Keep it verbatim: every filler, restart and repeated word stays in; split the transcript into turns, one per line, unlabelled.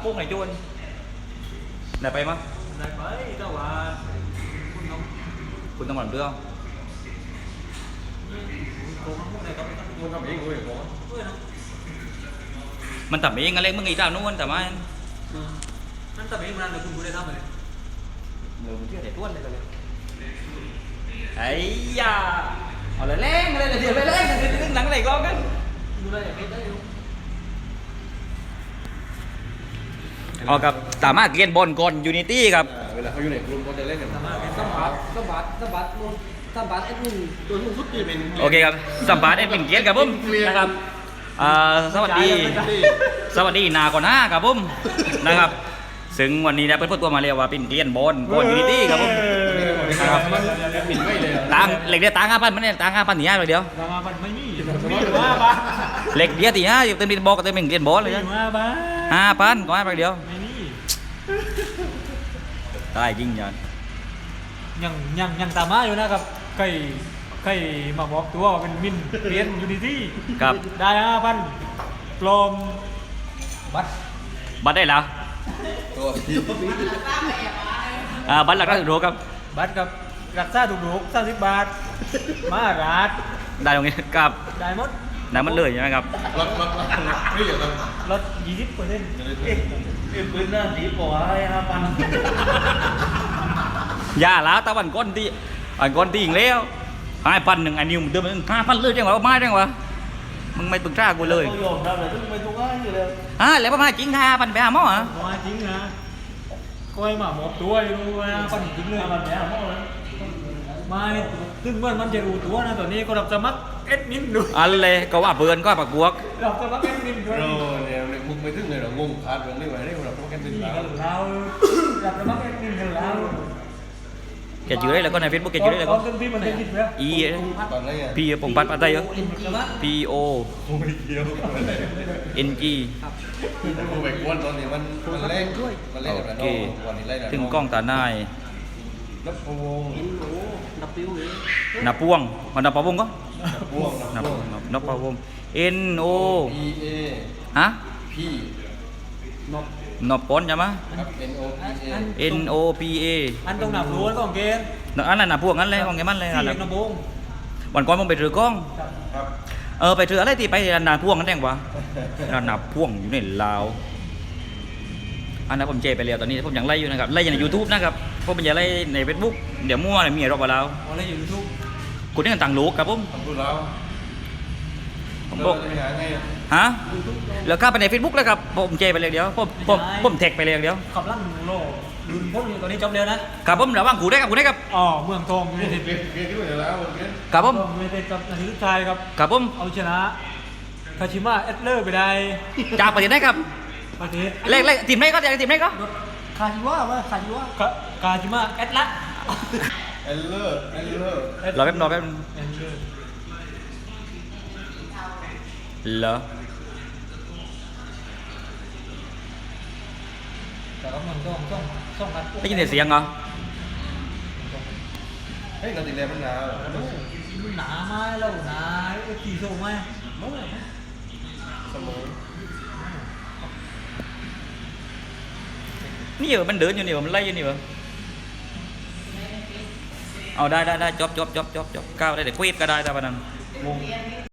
ปุ้งไหนจวนไหนไปมั้ง
ได้ไปแต่ว่าคุณน้อง
คุณต้องหวังเรื่อง
โกงพวกไหนก็ไม่ต้อง
มึงทำเองเลยโกง
เพื่อนนะ
มันทำเองอะไรมึงอีกแล้วนู้นแต่ว่า
นั่นแต่ไม่มันเลยคุณดูได้ทำเลย
เดี๋ยวมึงเชื่อแต่ต้วนเลยกันเลยไอ้ยาเอาเลยแรงเลยเดี๋ยวไปแรงกันเดี๋ยวหนังอะไรก็กัน
ดูได้ไม่ได้
เอากับสามารถเกียนบอลก่อนยูนิตี้ครับ
เวลาเขาอยู่ในกลุ่มเขาจะเล่นกัน
สามารถเป็นสมบัติสมบัติสมบัตินู่นสมบัติไอ้นู่นตัวนู่นสุดที่เป็น
โอเคครับสัมภาษณ์เอ็ดเป็นเกียรติครับผมนะครับอ่าสวัสดีสวัสดีนาก่อนหน้าครับผมนะครับซึ่งวันนี้นะเพื่อนพูดตัวมาเรียกว่าเป็นเกียรติบอลบอลยูนิตี้ครับผมนะครับ
ปิดไม่เลย
ตังเหล็กเดียวตังห้าพันมันเนี่ยตังห้าพันสี่ห้าเลยเดียว
รามาบันไม่มีมีว่าบ้า
เหล็กเดียวตีห้าอยู่เต็มดินบอกก็เต็มเป็นเกียรติบอลเลย
มี
นะ
ว่าบ้า
ห้าพันก็ห้าพันเดียว
ไม่มี
ได้จริงยัน
ยังยังยังตามมาอยู่นะครับใครใครมาบอกตัวว่าเป็นมินเรียนยูนิตี้
ครับ
ได้ห้าพันปลอมบัตร
บัตรได้แล้ว
ตัว
อ่าบัตรหลักได้ถูกครับ
บัตรกับรักษาถูกๆสามสิบบาท มาราด
ได้ตรงนี้ครับ
ได้หมด
ได้มันเลยใช่ไหมครับ
รถรถรถนี่เหรอ
ลดยี่สิบเปอร์เซ็นต์
เอ๊ะ
เอ็มปืนน่าดีกว่าห้าพัน
อย่าแล้วตะวันก้นที่อันก้นที่อีกแล้วห้าพันหนึ่งอันนี้มึงเดินมาห้าพันเลยจังหวะไม่จังหวะมึงไม่ปรึกษากูเลย
เขายอมรับเลยทุกไม่ทุกง่ายอยู่เลย
อ่าแล้วประมาณจริงห้าพันไปหาหมอเหรอ
มาจริงนะก้อยหมาหมอบตัวอยู่นะปันจริงเลยมันแย่หมอเลยไม่ซึ่งเมื่อมันจะรู้ตัวนะตอนนี้ก็รับสมัครเอ็ดมินดู
อันเลยก็ว่าเพื่อนก็ปักบวก
รับสมัครเอ็ดมินด้วย
เราเนี่ยมึงไม่ถึงเลยเรางงขาดเรื่องนี้ไว้ได้เราต้องแก้ติด
นี่
แล้
กันแล้ว รับสมัครเอ็ดมินกันแล้ว
แกจื้อได้แล้วก็ในเฟซบุ๊กแกจื้อได้แล้ว
ต
ก็
อนที่มันจะคิดไหม
อี
ตอนนี้
พีผมปัดปัดได้เยอะ P O
ไม่เกี่ยว
N G
กูไปกวนตอนนี้มันมันเล่นมันเล่นกับ
โอ
น้
เค
องวันนี้เล่น
ถึงกล้องตาหน้าย
นับพวง
นับปิ้วเลย
นับพวงมันนับปะวงก็
พวง
นับนับนับปะวง N O
P A
ฮะ
P
นับ
นับปอนใช่ไหม
ครับ N O P A
N O P A
อันตรงหนับรู้ต้องเกณฑ์
อันนั้นนับพวงนั้นเลยของแกมันเลย
สี่
อัน
เหล็
นั้
ก
น
นบง
วันก่อนผมไปถือกล้อง
ครับ
เออไปถืออะไรที่ไปนาพ่วงนั่นเองวะนานาพ่วงอยู่ในลาวอันนั้นผมเจไปแล้วตอนนี้ผมยังไล่อยู่นะครับไล่อยู่ในยูทูบนะครับผมเป็นยังไล่ในเฟซบุ๊กเดี๋ยวมั่วเลยมีรอบกับเรา
อะไรอยู่ทุก
คุณนี่กันต่างโลกครับผม
ทำดูแล้ว
ผมบอก
จะหาไง
ฮะแล้วเข้าไปในเฟซบุ๊กแล้วครับผมเจไปเลยเดียวผมผมผมแท็กไปเลยเดียว
ขับลั่นโลดุนพ้นอยู่ตอนนี้จบเร็วนะครับ
ผมระวังกูได้ครับกูได้ครับ
อ๋อเมืองทองยูไนเต็ด
เกมเกมที่ไหนแล้วเกม
ครับผม
ยูไนเต็ดกับนาทีสุดท้ายครับ
ครับผม
เอาชนะคาชิมะเอสเลอร์ไปได้
จากประเทศไหนครับ
ประเทศ
เลขเลขทีมไหนก็ทีมไหนก็
คาชิวะวะคาชิวะคาชิมะเอสละ
เอลเลอร์เอลเลอร์
รอแป๊บรอแป๊บ
เอสเลอร์
เหรอ
แต่ก็เมืองทองต้องต้องกัน
ได้ยินแต่เสียงเหรอ
เฮ้ยนาทีแรกมันหนาว
มันหนาไหมแล้วหนาไอ้ตีโซ่ไหม
เสมอ
นี่เหรอมันเดินอยู่นี่เหรอมันไล่อยู่นี่เหรอเอาได้ได้ได้จบจบจบจบจบก้าวได้แต่ควีดก็ได้แต่วันนั้น
งง